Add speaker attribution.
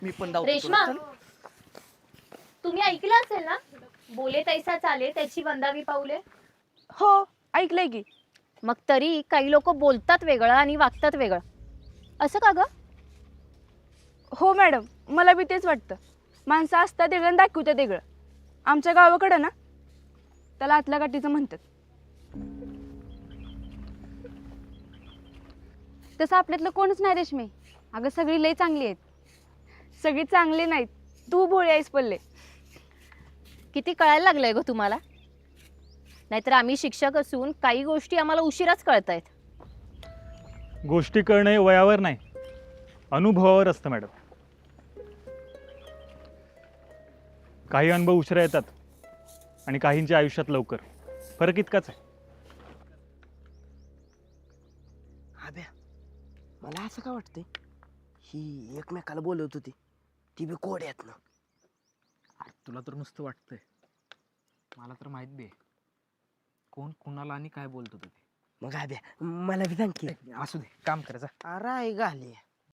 Speaker 1: मी पण धावतो
Speaker 2: रेश्मा,
Speaker 1: तुला. चल.
Speaker 2: तुम्ही ऐकलं असेल ना, बोले तैसा चाले त्याची वंदावी पाऊले.
Speaker 3: हो ऐकलंय की.
Speaker 2: मग तरी काही लोक बोलतात वेगळं आणि वागतात वेगळं, असं का ग?
Speaker 3: हो मॅडम, मला बी तेच वाटतं. माणसं असतात वेगळं आणि दाखवतात वेगळं. आमच्या गावाकडं ना त्याला आतल्या गाठीचं म्हणतात.
Speaker 4: तसं आपल्यातलं कोणच नाही रेश्मी. अगं सगळी लई चांगली आहेत.
Speaker 3: सगळी चांगली नाहीत, तू भोळी आहेस पल्ले.
Speaker 2: किती कळायला लागलंय ग तुम्हाला? नाहीतर आम्ही शिक्षक असून काही गोष्टी आम्हाला उशिराच कळतायत.
Speaker 5: गोष्टी कळणं हे वयावर नाही, अनुभवावर असतं मॅडम. काही अनुभव उशिरा येतात आणि काहींच्या आयुष्यात लवकर. फरक इतकाच आहे.
Speaker 1: आब्या, मला असं का वाटतंय ही एकमेकाला बोलवत होती ती बी कोड्यात ना.
Speaker 6: तुला तर नुसतं वाटतंय, मला तर माहित बी आहे कोण कुणाला आणि काय बोलत होतं ते.
Speaker 1: मग आब्या मला बी सांग की.
Speaker 6: असू दे, काम करायचं.
Speaker 1: अरे घाले